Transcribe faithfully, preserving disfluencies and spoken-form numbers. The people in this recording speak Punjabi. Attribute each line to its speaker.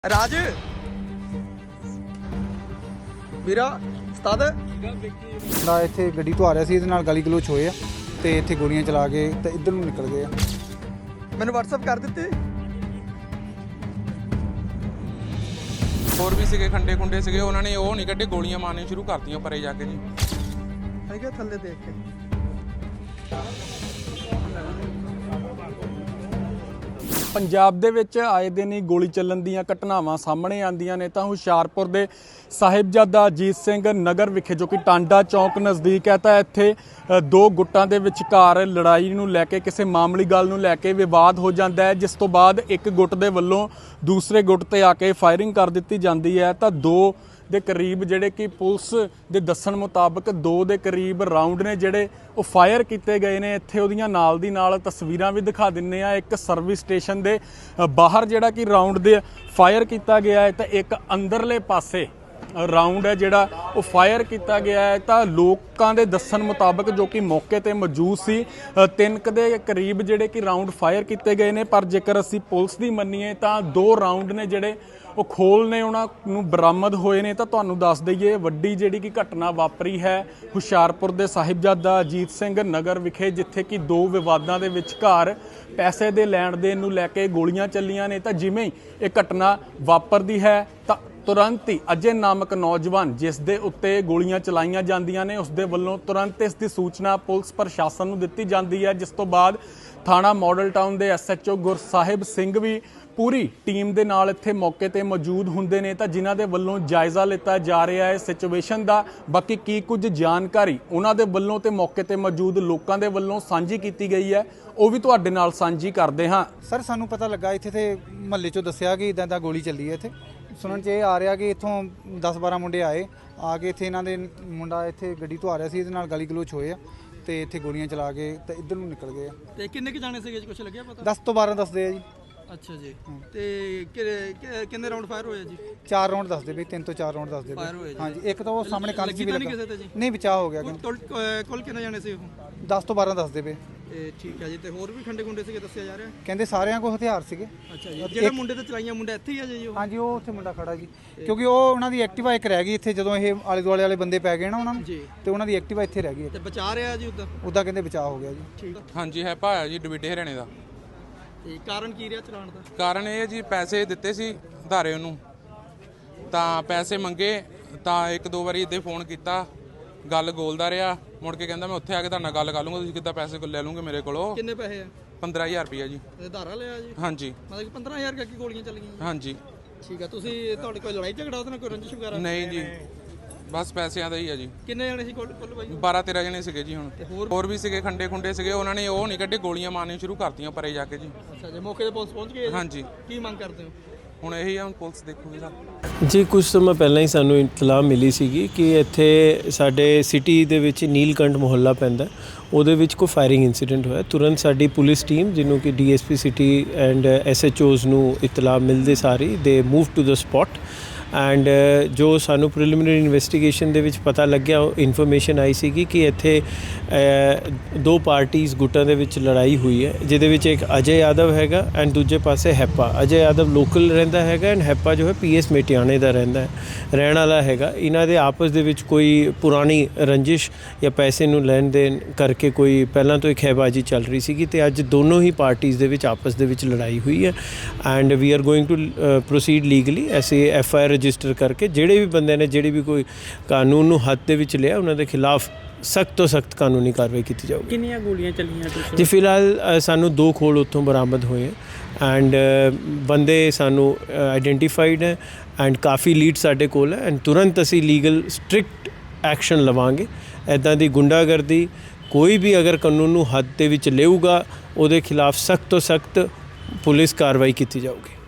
Speaker 1: राज ਵੀਰਾ ਉਸਤਾਦ
Speaker 2: ਨਾ ਇੱਥੇ ਗੱਡੀ ਤੋਂ ਆ ਰਿਹਾ ਸੀ, ਇਹਦੇ ਨਾਲ ਗਾਲੀ ਗਲੋਚ ਹੋਏ ਆ ਤੇ ਇੱਥੇ ਗੋਲੀਆਂ ਚਲਾ ਕੇ ਤੇ ਇੱਧਰ ਨੂੰ ਨਿਕਲ ਗਏ ਆ।
Speaker 1: ਮੈਨੂੰ WhatsApp ਕਰ ਦਿੱਤੇ।
Speaker 3: ਹੋਰ ਵੀ ਸੀਗੇ ਖੰਡੇ ਖੁੰਡੇ ਸੀਗੇ, ਉਹਨਾਂ ਨੇ ਉਹ ਨਹੀਂ ਕੱਢੇ, ਗੋਲੀਆਂ ਮਾਰਨੀਆਂ ਸ਼ੁਰੂ ਕਰਤੀਆਂ ਪਰੇ ਜਾ ਕੇ ਜੀ।
Speaker 1: ਹੈਗਾ ਥੱਲੇ ਦੇਖ ਕੇ
Speaker 4: ਪੰਜਾਬ ਦੇ ਵਿੱਚ ਆਏ ਦਿਨ ਹੀ ਗੋਲੀ ਚੱਲਣ ਦੀਆਂ ਘਟਨਾਵਾਂ ਸਾਹਮਣੇ ਆਉਂਦੀਆਂ ਨੇ। ਤਾਂ ਹੁਸ਼ਿਆਰਪੁਰ ਦੇ ਸਾਹਿਬਜ਼ਾਦਾ ਅਜੀਤ ਸਿੰਘ ਨਗਰ ਵਿਖੇ, ਜੋ ਕਿ ਟਾਂਡਾ ਚੌਂਕ ਨਜ਼ਦੀਕ ਹੈ, ਤਾਂ ਇੱਥੇ ਦੋ ਗੁੱਟਾਂ ਦੇ ਵਿਚਕਾਰ ਲੜਾਈ ਨੂੰ ਲੈ ਕੇ, ਕਿਸੇ ਮਾਮੂਲੀ ਗੱਲ ਨੂੰ ਲੈ ਕੇ ਵਿਵਾਦ ਹੋ ਜਾਂਦਾ ਹੈ, ਜਿਸ ਤੋਂ ਬਾਅਦ ਇੱਕ ਗੁੱਟ ਦੇ ਵੱਲੋਂ ਦੂਸਰੇ ਗੁੱਟ ਤੇ ਆ ਕੇ ਫਾਇਰਿੰਗ ਕਰ ਦਿੱਤੀ ਜਾਂਦੀ ਹੈ। ਤਾਂ ਦੋ ਦੇ ਕਰੀਬ ਜਿਹੜੇ ਕਿ ਪੁਲਿਸ ਦੇ ਦੱਸਣ ਮੁਤਾਬਕ ਦੋ ਦੇ ਕਰੀਬ ਰਾਉਂਡ ਨੇ ਜਿਹੜੇ ਉਹ ਫਾਇਰ ਕੀਤੇ ਗਏ ਨੇ। ਇੱਥੇ ਉਹਦੀਆਂ ਨਾਲ ਦੀ ਨਾਲ ਤਸਵੀਰਾਂ ਵੀ ਦਿਖਾ ਦਿੰਨੇ ਆ। ਇੱਕ ਸਰਵਿਸ ਸਟੇਸ਼ਨ ਦੇ ਬਾਹਰ ਜਿਹੜਾ ਕਿ ਰਾਉਂਡ ਦੇ ਫਾਇਰ ਕੀਤਾ ਗਿਆ ਹੈ, ਤਾਂ ਇੱਕ ਅੰਦਰਲੇ ਪਾਸੇ ਰਾਉਂਡ ਹੈ ਜਿਹੜਾ ਉਹ ਫਾਇਰ ਕੀਤਾ ਗਿਆ ਹੈ। ਤਾਂ ਲੋਕਾਂ ਦੇ ਦੱਸਣ ਮੁਤਾਬਕ, ਜੋ ਕਿ ਮੌਕੇ ਤੇ ਮੌਜੂਦ ਸੀ, ਤਿੰਨ ਕੁ ਦੇ ਕਰੀਬ ਜਿਹੜੇ ਕਿ ਰਾਉਂਡ ਫਾਇਰ ਕੀਤੇ ਗਏ ਨੇ। ਪਰ ਜੇਕਰ ਅਸੀਂ ਪੁਲਿਸ ਦੀ ਮੰਨੀਏ ਤਾਂ ਦੋ ਰਾਉਂਡ ਨੇ ਜਿਹੜੇ ਉਹ ਖੋਲ ਨੇ ਉਹਨਾਂ ਨੂੰ ਬਰਾਮਦ ਹੋਏ ਨੇ। ਤਾਂ ਤੁਹਾਨੂੰ ਦੱਸ ਦਈਏ, ਵੱਡੀ ਜਿਹੜੀ ਕਿ ਘਟਨਾ ਵਾਪਰੀ ਹੈ ਹੁਸ਼ਿਆਰਪੁਰ ਦੇ ਸਾਹਿਬਜ਼ਾਦਾ ਅਜੀਤ ਸਿੰਘ ਨਗਰ ਵਿਖੇ, ਜਿੱਥੇ ਕਿ ਦੋ ਵਿਵਾਦਾਂ ਦੇ ਵਿਚਕਾਰ ਪੈਸੇ ਦੇ ਲੈਣ ਦੇਣ ਨੂੰ ਲੈ ਕੇ ਗੋਲੀਆਂ ਚੱਲੀਆਂ ਨੇ। ਤਾਂ ਜਿਵੇਂ ਹੀ ਇਹ ਘਟਨਾ ਵਾਪਰਦੀ ਹੈ ਤਾਂ ਤੁਰੰਤ ਹੀ ਅਜੇ ਨਾਮਕ ਨੌਜਵਾਨ ਜਿਸ ਦੇ ਉੱਤੇ ਗੋਲੀਆਂ ਚਲਾਈਆਂ ਜਾਂਦੀਆਂ ਨੇ, ਉਸ ਦੇ ਵੱਲੋਂ ਤੁਰੰਤ ਇਸ ਦੀ ਸੂਚਨਾ ਪੁਲਿਸ ਪ੍ਰਸ਼ਾਸਨ ਨੂੰ ਦਿੱਤੀ ਜਾਂਦੀ ਹੈ, ਜਿਸ ਤੋਂ ਬਾਅਦ ਥਾਣਾ ਮਾਡਲ ਟਾਊਨ ਦੇ S H O Gursahib Singh ਵੀ ਪੂਰੀ ਟੀਮ ਦੇ ਨਾਲ ਇੱਥੇ ਮੌਕੇ ਤੇ ਮੌਜੂਦ ਹੁੰਦੇ ਨੇ। ਤਾਂ ਜਿਨ੍ਹਾਂ ਦੇ ਵੱਲੋਂ ਜਾਇਜ਼ਾ ਲਿੱਤਾ ਜਾ ਰਿਹਾ ਹੈ ਸਿਚੁਏਸ਼ਨ ਦਾ। ਬਾਕੀ ਕੀ ਕੁਝ ਜਾਣਕਾਰੀ ਉਹਨਾਂ ਦੇ ਵੱਲੋਂ ਤੇ ਮੌਕੇ ਤੇ ਮੌਜੂਦ ਲੋਕਾਂ ਦੇ ਵੱਲੋਂ ਸਾਂਝੀ ਕੀਤੀ ਗਈ ਹੈ, ਉਹ ਵੀ ਤੁਹਾਡੇ ਨਾਲ ਸਾਂਝੀ ਕਰਦੇ ਹਾਂ।
Speaker 2: ਸਰ, ਸਾਨੂੰ ਪਤਾ ਲੱਗਾ ਇੱਥੇ ਤੇ ਮਹੱਲੇ 'ਚੋਂ ਦੱਸਿਆ ਕਿ ਇਦਾਂ ਦਾ ਗੋਲੀ ਚੱਲੀ ਹੈ। ਇੱਥੇ ਸੁਣਨ 'ਚ ਇਹ ਆ ਰਿਹਾ ਕਿ ਇੱਥੋਂ ਦਸ ਬਾਰਾਂ ਮੁੰਡੇ ਆਏ ਆ ਕੇ ਇੱਥੇ ਇਹਨਾਂ ਦੇ ਮੁੰਡਾ ਇੱਥੇ ਗੱਡੀ ਤੋਂ ਆ ਰਿਹਾ ਸੀ, ਇਹਦੇ ਨਾਲ ਗਾਲੀ ਗਲੋਚ ਹੋਏ ਆ ਤੇ ਇੱਥੇ ਗੋਲੀਆਂ ਚਲਾ ਕੇ ਤੇ ਇੱਧਰ ਨੂੰ ਨਿਕਲ ਗਏ ਆ।
Speaker 1: ਤੇ ਕਿੰਨੇ ਕਿ ਜਾਣੇ ਸੀਗੇ, ਕੁਝ ਲੱਗਿਆ ਪਤਾ?
Speaker 2: ਦਸ ਤੋਂ ਬਾਰਾਂ ਦੱਸਦੇ ਆ ਜੀ।
Speaker 1: ਅੱਛਾ ਜੀ। ਤੇ ਕਿ- ਕਿੰਨੇ ਰਾਉਂਡ ਫਾਇਰ ਹੋਏ ਜੀ?
Speaker 2: ਚਾਰ ਰਾਉਂਡ ਦੱਸਦੇ ਪਏ, ਤਿੰਨ ਤੋਂ ਚਾਰ ਰਾਉਂਡ ਦੱਸਦੇ
Speaker 1: ਫਾਇਰ ਹੋਏ
Speaker 2: ਪਏ।
Speaker 1: ਜੀ।
Speaker 2: ਹਾਂਜੀ, ਇੱਕ ਤਾਂ ਉਹ ਸਾਹਮਣੇ ਕੰਧ 'ਚ ਵੀ
Speaker 1: ਲੱਗੀ ਤਾਂ ਨਹੀਂ
Speaker 2: ਲੱਗਾ।
Speaker 1: ਕਿਸੇ ਤੇ ਜੀ?
Speaker 2: ਨਹੀਂ, ਬਚਾਅ ਹੋ ਗਿਆ।
Speaker 1: ਕੁੱਲ ਕੁੱਲ ਕਿੰਨੇ ਜਾਣੇ ਸੀ ਉਹ?
Speaker 2: ਦਸ ਤੋਂ ਬਾਰਾਂ ਦੱਸਦੇ ਪਏ।
Speaker 1: ਇਹ ਠੀਕ ਹੈ ਜੀ। ਤੇ ਹੋਰ ਵੀ ਖੰਡੇ ਖੁੰਡੇ ਸੀਗੇ ਦੱਸਿਆ ਜਾ ਰਿਹਾ?
Speaker 2: ਕਹਿੰਦੇ ਸਾਰਿਆਂ ਕੋਲ ਹਥਿਆਰ ਸੀਗੇ।
Speaker 1: ਅੱਛਾ ਜੀ। ਜਿਹੜੇ ਮੁੰਡੇ ਤੇ ਚਲਾਈਆਂ ਮੁੰਡਾ ਇੱਥੇ ਹੀ ਆ ਜੀ ਉਹ?
Speaker 2: ਹਾਂਜੀ, ਉਹ ਉੱਥੇ ਮੁੰਡਾ ਖੜਾ ਜੀ, ਕਿਉਂਕਿ ਉਹ ਉਹਨਾਂ ਦੀ ਐਕਟਿਵਾ ਇੱਕ ਰਹਿ ਗਈ ਇੱਥੇ, ਜਦੋਂ ਇਹ ਆਲੇ ਦੁਆਲੇ ਵਾਲੇ ਬੰਦੇ ਪੈ ਗਏ ਨਾ ਉਹਨਾਂ ਨੂੰ,
Speaker 1: ਜੀ,
Speaker 2: ਤੇ ਉਹਨਾਂ ਦੀ ਐਕਟਿਵਾ ਇੱਥੇ ਰਹਿ ਗਈ।
Speaker 1: ਤੇ ਬਚਾ ਰਿਹਾ ਜੀ ਉਦਾਂ?
Speaker 2: ਉਦਾਂ ਕਹਿੰਦੇ ਬਚਾਅ ਹੋ ਗਿਆ ਜੀ।
Speaker 1: ਠੀਕ।
Speaker 3: ਹਾਂਜੀ, ਹੈ ਭਾਇਆ ਜੀ ਡਿਵੀਡੇ ਹਰਿਆਣੇ ਦਾ।
Speaker 1: ਤੇ ਕਾਰਨ ਕੀ ਰਿਹਾ ਚਲਾਉਣ ਦਾ?
Speaker 3: ਕਾਰਨ ਇਹ ਜੀ, ਪੈਸੇ ਦਿੱਤੇ ਸੀ ਧਾਰੇ ਉਹਨੂੰ, ਤਾਂ ਪੈਸੇ ਮੰਗੇ, ਤਾਂ ਇੱਕ ਦੋ ਵਾਰੀ ਇੱਦਾਂ ਫੋਨ ਕੀਤਾ, ਗੱਲ ਗੋਲਦਾ ਰਿਹਾ, ਮੁੜ ਕੇ ਕਹਿੰਦਾ ਮੈਂ ਉੱਥੇ ਆ ਕੇ ਤੁਹਾਡੇ ਨਾਲ ਗੱਲ ਕਰ ਲੂੰਗਾ, ਤੁਸੀਂ ਕਿੱਦਾਂ ਪੈਸੇ ਲੈ ਲੂੰਗੇ ਮੇਰੇ ਕੋਲੋਂ।
Speaker 1: ਕਿੰਨੇ ਪੈਸੇ ਆ?
Speaker 3: ਪੰਦਰਾਂ ਹਜ਼ਾਰ ਰੁਪਈਆ ਜੀ।
Speaker 1: ਤੇ ਧਾਰਾ ਲਿਆ ਜੀ?
Speaker 3: ਹਾਂਜੀ।
Speaker 1: ਮਤਲਬ ਕਿ ਪੰਦਰਾਂ ਹਜ਼ਾਰ ਕਰਕੇ ਗੋਲੀਆਂ ਚੱਲੀਆਂ ਜੀ?
Speaker 3: ਹਾਂਜੀ।
Speaker 1: ਠੀਕ ਆ। ਤੁਸੀਂ ਤੁਹਾਡੇ ਕੋਈ ਲੜਾਈ ਝਗੜਾ ਉਹਦੇ ਨਾਲ, ਕੋਈ ਰੰਜਿਸ਼ ਵਗੈਰਾ?
Speaker 3: ਨਹੀਂ ਜੀ, ਬਸ ਪੈਸਿਆਂ ਦਾ ਹੀ ਆ ਜੀ।
Speaker 1: ਕਿੰਨੇ ਜਣੇ ਸੀ ਕੁੱਲ ਕੁੱਲ ਬਾਈ?
Speaker 3: ਬਾਰਾਂ ਤੇਰਾਂ ਜਣੇ ਸੀਗੇ ਜੀ। ਹੁਣ
Speaker 1: ਤੇ ਹੋਰ
Speaker 3: ਹੋਰ ਵੀ ਸੀਗੇ ਖੰਡੇ ਖੁੰਡੇ ਸੀਗੇ, ਉਹਨਾਂ ਨੇ ਉਹ ਨਹੀਂ ਕੱਢੇ, ਗੋਲੀਆਂ ਮਾਰਨੀਆਂ ਸ਼ੁਰੂ ਕਰਤੀਆਂ ਪਰੇ ਜਾ ਕੇ ਜੀ।
Speaker 1: ਅੱਛਾ ਜੀ। ਮੌਕੇ ਤੇ ਪੁਲਿਸ ਪਹੁੰਚ ਗਈ?
Speaker 3: ਹਾਂਜੀ।
Speaker 1: ਕੀ ਮੰਗ ਕਰਦੇ ਹੋ
Speaker 3: ਹੁਣ ਇਹੀ ਆ, ਹੁਣ ਪੁਲਿਸ ਦੇਖੂਗੀ ਸਰ।
Speaker 5: ਜੀ, ਕੁਝ ਸਮਾਂ ਪਹਿਲਾਂ ਹੀ ਸਾਨੂੰ ਇਤਲਾਹ ਮਿਲੀ ਸੀਗੀ ਕਿ ਇੱਥੇ ਸਾਡੇ ਸਿਟੀ ਦੇ ਵਿੱਚ ਨੀਲਕੰਠ ਮੁਹੱਲਾ ਪੈਂਦਾ, ਉਹਦੇ ਵਿੱਚ ਕੋਈ ਫਾਇਰਿੰਗ ਇਨਸੀਡੈਂਟ ਹੋਇਆ। ਤੁਰੰਤ ਸਾਡੀ ਪੁਲਿਸ ਟੀਮ, ਜਿਹਨੂੰ ਕਿ D S P city and S H Os ਨੂੰ ਇਤਲਾਹ ਮਿਲਦੇ ਸਾਰੀ ਦੇ move to the spot. And ਜੋ ਸਾਨੂੰ ਪ੍ਰੀਲਿਮਿਨਰੀ ਇਨਵੈਸਟੀਗੇਸ਼ਨ ਦੇ ਵਿੱਚ ਪਤਾ ਲੱਗਿਆ, ਉਹ ਇਨਫੋਰਮੇਸ਼ਨ ਆਈ ਸੀਗੀ ਕਿ ਇੱਥੇ ਦੋ ਪਾਰਟੀਆਂ ਗੁੱਟਾਂ ਦੇ ਵਿੱਚ ਲੜਾਈ ਹੋਈ ਹੈ, ਜਿਹਦੇ ਵਿੱਚ ਇੱਕ ਅਜੇ ਯਾਦਵ ਹੈਗਾ ਐਂਡ ਦੂਜੇ ਪਾਸੇ ਹੈਪਾ। ਅਜੇ ਯਾਦਵ ਲੋਕਲ ਰਹਿੰਦਾ ਹੈਗਾ ਐਂਡ ਹੈਪਾ ਜੋ ਹੈ ਪੀ ਐਸ ਮੇਟਿਆਣੇ ਦਾ ਰਹਿੰਦਾ ਹੈ ਰਹਿਣ ਵਾਲਾ ਹੈਗਾ। ਇਹਨਾਂ ਦੇ ਆਪਸ ਦੇ ਵਿੱਚ ਕੋਈ ਪੁਰਾਣੀ ਰੰਜਿਸ਼ ਜਾਂ ਪੈਸੇ ਨੂੰ ਲੈਣ ਦੇਣ ਕਰਕੇ ਕੋਈ ਪਹਿਲਾਂ ਤੋਂ ਇੱਕ ਹੈਬਾਜੀ ਚੱਲ ਰਹੀ ਸੀਗੀ, ਤੇ ਅੱਜ ਦੋਨੋਂ ਹੀ ਪਾਰਟੀਆਂ ਦੇ ਵਿੱਚ ਆਪਸ ਦੇ ਵਿੱਚ ਲੜਾਈ ਹੋਈ ਹੈ। And we are going to proceed legally ਐਸੇ ਐਫ ਆਈ ਆਰ ਰਜਿਸਟਰ ਕਰਕੇ, ਜਿਹੜੇ ਵੀ ਬੰਦੇ ਨੇ ਜਿਹੜੀ ਵੀ ਕੋਈ ਕਾਨੂੰਨ ਨੂੰ ਹੱਥ ਦੇ ਵਿੱਚ ਲਿਆ, ਉਹਨਾਂ ਦੇ ਖਿਲਾਫ ਸਖਤ ਤੋਂ ਸਖਤ ਕਾਨੂੰਨੀ ਕਾਰਵਾਈ ਕੀਤੀ ਜਾਊਗੀ।
Speaker 6: ਕਿੰਨੀਆਂ ਗੋਲੀਆਂ ਚੱਲੀਆਂ ਤੁਸੀਂ?
Speaker 5: ਜੀ, ਫਿਲਹਾਲ ਸਾਨੂੰ ਦੋ ਖੋਲ ਉੱਥੋਂ ਬਰਾਮਦ ਹੋਏ ਐਂਡ ਬੰਦੇ ਸਾਨੂੰ ਆਈਡੈਂਟੀਫਾਈਡ ਹੈ ਐਂਡ ਕਾਫੀ ਲੀਡ ਸਾਡੇ ਕੋਲ ਹੈ ਐਂਡ ਤੁਰੰਤ ਅਸੀਂ ਲੀਗਲ ਸਟ੍ਰਿਕਟ ਐਕਸ਼ਨ ਲਵਾਂਗੇ। ਇੱਦਾਂ ਦੀ ਗੁੰਡਾਗਰਦੀ ਕੋਈ ਵੀ ਅਗਰ ਕਾਨੂੰਨ ਨੂੰ ਹੱਥ ਦੇ ਵਿੱਚ ਲਏਗਾ, ਉਹਦੇ ਖਿਲਾਫ ਸਖਤ ਤੋਂ ਸਖਤ ਪੁਲਿਸ ਕਾਰਵਾਈ ਕੀਤੀ ਜਾਊਗੀ।